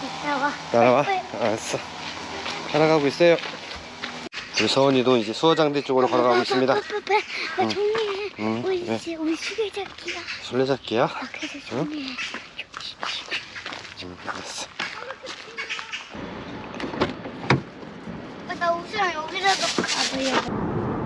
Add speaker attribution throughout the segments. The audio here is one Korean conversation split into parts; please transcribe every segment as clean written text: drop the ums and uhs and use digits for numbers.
Speaker 1: 따라와. 알았어. 따라가고 있어요. 우리 서원이도 이제 수어장대 쪽으로 걸어가고 있습니다.
Speaker 2: 나 정리해.
Speaker 1: 응,
Speaker 2: 우리
Speaker 1: 네.
Speaker 2: 이제 우리 수레잡기야.
Speaker 1: 술래잡기야?
Speaker 2: 그래서 정리해.
Speaker 1: 알았어.
Speaker 2: 나 옷이랑 여기라도 가봐야.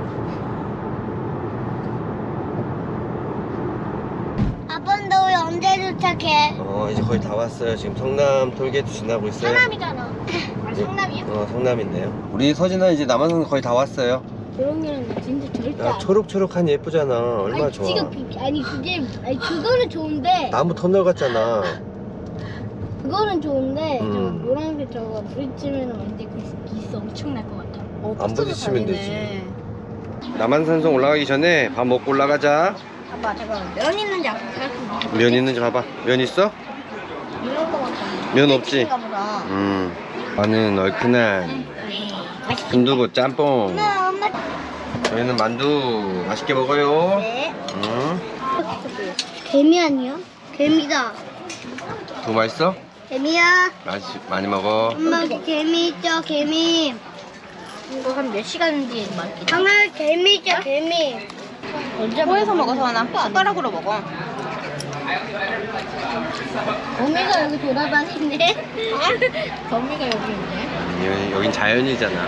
Speaker 2: 아빠 너 왜 언제 도착해?
Speaker 1: 이제 거의 다 왔어요. 지금 성남 톨게이트 지나고 있어요.
Speaker 2: 성남이잖아. 아 성남이야?
Speaker 1: 성남인데요. 우리 서진아 이제 남한산 거의 다 왔어요.
Speaker 2: 조롱이는 나 진짜 절대
Speaker 1: 야,
Speaker 2: 안.
Speaker 1: 초록초록한 예쁘잖아. 얼마나 좋아.
Speaker 2: 아니 그거는 좋은데.
Speaker 1: 나무 터널 같잖아.
Speaker 2: 그거는 좋은데 저
Speaker 1: 음.
Speaker 2: 노란색 저거 부딪히면 완전 그 기스 엄청 날 것 같아.
Speaker 1: 안 부딪히면 되지. 남한산성 올라가기 전에 밥 먹고 올라가자.
Speaker 2: 아빠 잠깐만 면 있는지 아까 생각해봐.
Speaker 1: 면 있는지 봐봐. 면 있어?
Speaker 2: 이런 거 같아.
Speaker 1: 면 없지?
Speaker 2: 보다.
Speaker 1: 나는 얼큰한
Speaker 2: 맛있겠다.
Speaker 1: 순두부 짬뽕.
Speaker 2: 엄마.
Speaker 1: 저희는 만두 맛있게 먹어요.
Speaker 2: 네.
Speaker 1: 응.
Speaker 2: 개미 아니야? 개미다.
Speaker 1: 더 맛있어?
Speaker 2: 개미야.
Speaker 1: 많이 먹어.
Speaker 2: 엄마 여기 개미 있죠 개미. 이거 한 몇 시간 뒤에 맛있겠다. 엄마 개미 있죠 개미.
Speaker 3: 뭐해서 먹어 서원아? 숟가락으로 먹어.
Speaker 2: 거미가 여기 돌아다니네. 거미가 여기 있네.
Speaker 1: 여긴 자연이잖아.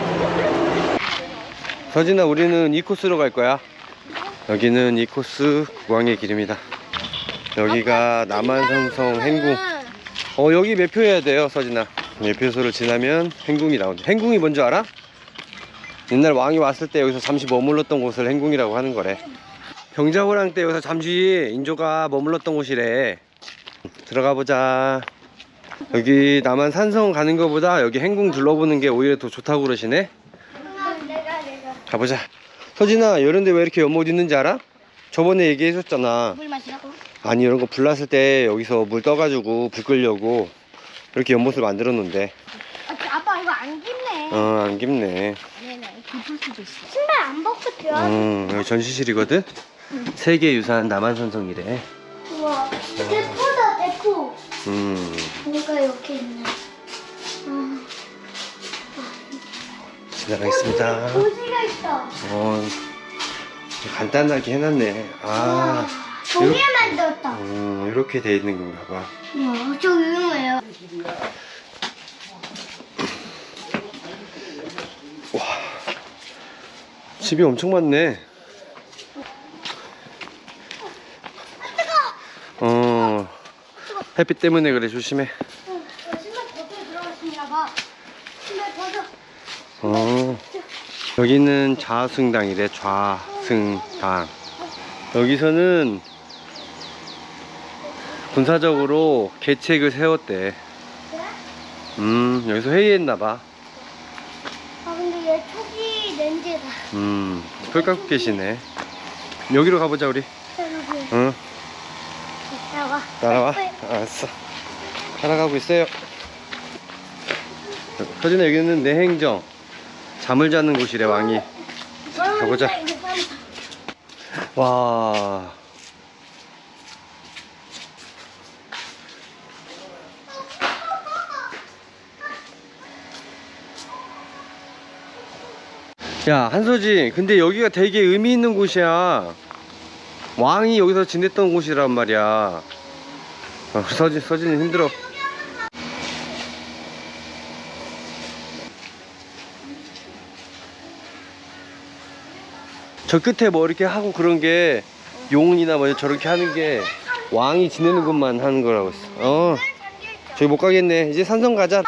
Speaker 1: 서진아, 우리는 이 코스로 갈 거야. 여기는 이 코스 구광의 길입니다. 여기가 남한산성 행궁. 여기 매표해야 돼요, 서진아. 매표소를 지나면 행궁이 나온대. 행궁이 뭔지 알아? 옛날 왕이 왔을 때 여기서 잠시 머물렀던 곳을 행궁이라고 하는 거래. 병자호랑 때 여기서 잠시 인조가 머물렀던 곳이래. 들어가 보자. 여기 남한산성 가는 거보다 여기 행궁 둘러보는 게 오히려 더 좋다고 그러시네.
Speaker 2: 내가.
Speaker 1: 가보자. 서진아, 이런데 왜 이렇게 연못 있는지 알아? 저번에 얘기해줬잖아.
Speaker 2: 물 마시라고?
Speaker 1: 아니, 이런 거 불 났을 때 여기서 물 떠가지고 불 끄려고 이렇게 연못을 만들어 놓은데.
Speaker 2: 아빠 이거 안 깊네.
Speaker 1: 안 깊네.
Speaker 2: 네네 깊을 수도 있어. 신발 안 벗고 들어.
Speaker 1: 여기 전시실이거든? 세계유산 남한산성이래.
Speaker 2: 우와. 대포다 대포. 뭐가 이렇게 있네.
Speaker 1: 지나가겠습니다.
Speaker 2: 고지가 있어.
Speaker 1: 간단하게 해놨네.
Speaker 2: 종이 만들었다.
Speaker 1: 이렇게 돼 있는 건가 봐.
Speaker 2: 우와, 저 유명해요.
Speaker 1: 와, 집이 엄청 많네. 햇빛 때문에 그래. 조심해.
Speaker 2: 신발 벗고 들어갔습니다. 봐. 신발 벗어.
Speaker 1: 여기는 좌승당이래. 좌승당. 여기서는 군사적으로 계책을 세웠대. 여기서 회의했나봐.
Speaker 2: 근데 얘 초기 렌즈다.
Speaker 1: 풀 깎고 계시네. 여기로 가보자 우리. 응. 따라와. 알았어. 따라가고 있어요. 서진아, 여기는 내행정. 잠을 자는 곳이래, 왕이. 가보자. 와. 야, 한서진, 근데 여기가 되게 의미 있는 곳이야. 왕이 여기서 지냈던 곳이란 말이야. 서진이 힘들어. 저 끝에 뭐 이렇게 하고 그런 게 용이나 뭐 저렇게 하는 게 왕이 지내는 곳만 하는 거라고 했어. 저기 못 가겠네. 이제 산성 가자.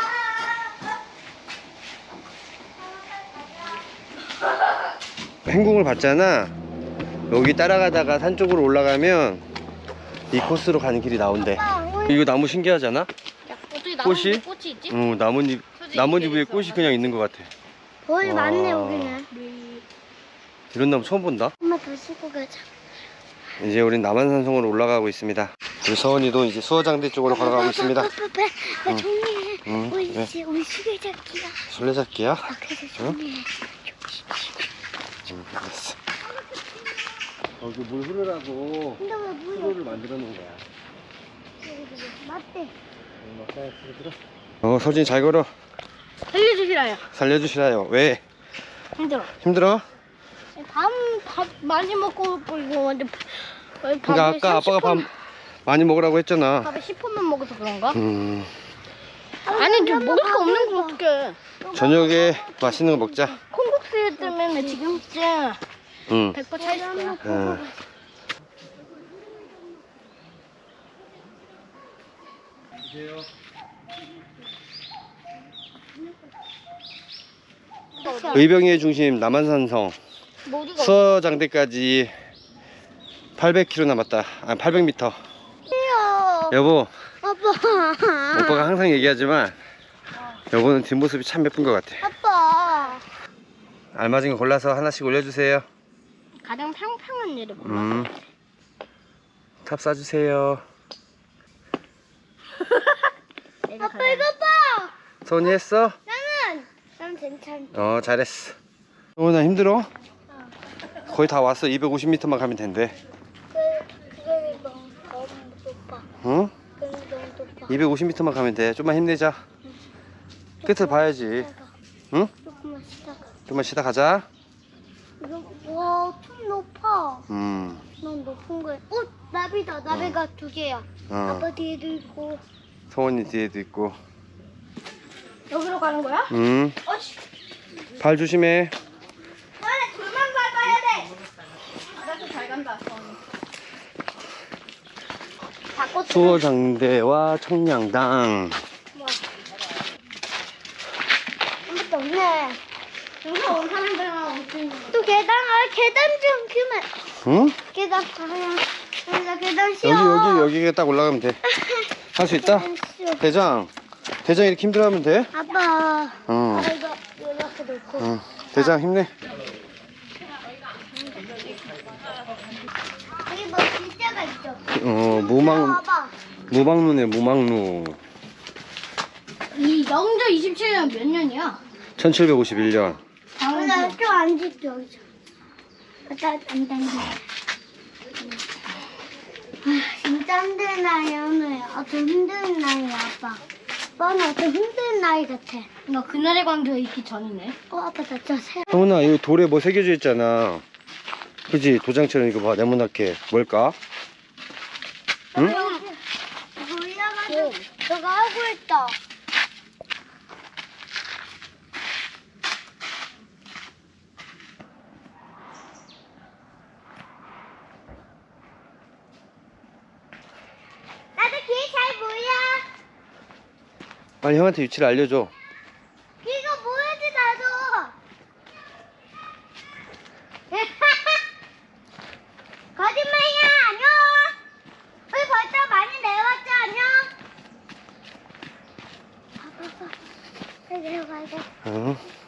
Speaker 1: 행궁을 봤잖아. 여기 따라가다가 산 쪽으로 올라가면 이 코스로 가는 길이 나온대. 이거 나무 신기하잖아? 꽃이?
Speaker 2: 꽃이 있지?
Speaker 1: 나뭇잎 위에 꽃이 그냥 있는 것 같아.
Speaker 2: 거의
Speaker 1: 와.
Speaker 2: 많네 여기는.
Speaker 1: 이런 나무 처음 본다.
Speaker 2: 엄마 더 씻고 가자.
Speaker 1: 이제 우린 남한산성으로 올라가고 있습니다. 우리 서원이도 이제 수어장대 쪽으로 걸어가고 있습니다.
Speaker 2: 나 정리해. 우리
Speaker 1: 네.
Speaker 2: 이제 우리 수레잡기야.
Speaker 1: 술래잡기야?
Speaker 2: 그래서 정리해.
Speaker 1: 알았어. 여기 물 흐르라고
Speaker 2: 근데 왜 물이
Speaker 1: 수로를 만들어 놓은 거야.
Speaker 2: 맞대.
Speaker 1: 서진이 잘 걸어.
Speaker 2: 살려주시라요.
Speaker 1: 살려주시라요. 왜?
Speaker 2: 힘들어.
Speaker 1: 힘들어?
Speaker 2: 밥 많이 먹고 이거 완전
Speaker 1: 그러니까 아까 아빠가 밥 많이 먹으라고 했잖아.
Speaker 2: 밥에 10분만 먹어서 그런가?
Speaker 1: 아니
Speaker 2: 좀 먹을 거 없는 거 어떡해.
Speaker 1: 저녁에 맛있는 거 먹자.
Speaker 2: 콩국수 때문에 지금쯤
Speaker 1: 응.
Speaker 2: 100% 차있을 거야.
Speaker 1: 응. 의병의 중심 남한산성
Speaker 2: 모두가
Speaker 1: 수어장대까지 800km 남았다. 아 800m.
Speaker 2: 없어요.
Speaker 1: 여보,
Speaker 2: 아빠.
Speaker 1: 오빠가 항상 얘기하지만 여보는 뒷모습이 참 예쁜 것 같아.
Speaker 2: 아빠.
Speaker 1: 알맞은 거 골라서 하나씩 올려주세요.
Speaker 2: 가장 평평한 일을 몰라.
Speaker 1: 탑 쏴주세요.
Speaker 2: 아빠 이거 봐.
Speaker 1: 소은이 했어?
Speaker 2: 난 괜찮아.
Speaker 1: 잘했어. 소은아 힘들어? 거의 다 왔어. 250m만 가면 된대.
Speaker 2: 그게 너무 높아.
Speaker 1: 응?
Speaker 2: 그게 너무 높아.
Speaker 1: 250m만 가면 돼. 좀만 힘내자. 끝을 봐야지. 응?
Speaker 2: 조금만 쉬다가.
Speaker 1: 좀만 쉬다 가자.
Speaker 2: 이거 좀 높아. 넌 높은 거야. 나비다. 나비가 두 개야. 아빠 뒤에도 있고.
Speaker 1: 소은이 뒤에도 있고.
Speaker 2: 여기로 가는 거야? 어씨.
Speaker 1: 발 조심해.
Speaker 2: 돌만 밟아야 돼.
Speaker 3: 나도 잘 간다.
Speaker 1: 수어장대와 청량당.
Speaker 2: 아무것도 없네. 여기서 원하는 데만 또 계단, 계단 좀 그만.
Speaker 1: 응?
Speaker 2: 계단 그냥 여기다 계단 씌워.
Speaker 1: 여기에 딱 올라가면 돼. 할 수 있다? 대장 이렇게 힘들어하면 돼?
Speaker 2: 아빠.
Speaker 1: 응.
Speaker 2: 이거 이렇게 놓고.
Speaker 1: 응. 대장 힘내.
Speaker 2: 여기 뭐 글자가 있죠? 봐봐.
Speaker 1: 무망루네, 무망루.
Speaker 2: 이 영조 27년 몇 년이야?
Speaker 1: 1751년.
Speaker 2: 나 학교 안 짓죠 여기서. 안 당겨. 진짜 힘든 나이 오늘. 좀 힘든 나이 아빠. 아빠는 좀 힘든 나이 같아. 너 그날의 광주에 있기 전이네. 아빠 나 진짜 새.
Speaker 1: 성훈아, 이 돌에 뭐 새겨져 있잖아. 그지? 도장처럼 이거 봐, 네모나게. 뭘까? 응?
Speaker 2: 올라가지고 저거 하고 있다. 나도 길 잘 보여.
Speaker 1: 빨리 형한테 위치를 알려줘.
Speaker 2: 이거 뭐야지 나도. 거짓말이야. 안녕. 우리 벌써 많이 내려왔죠. 안녕. 빨리 내려가야 돼.
Speaker 1: 응.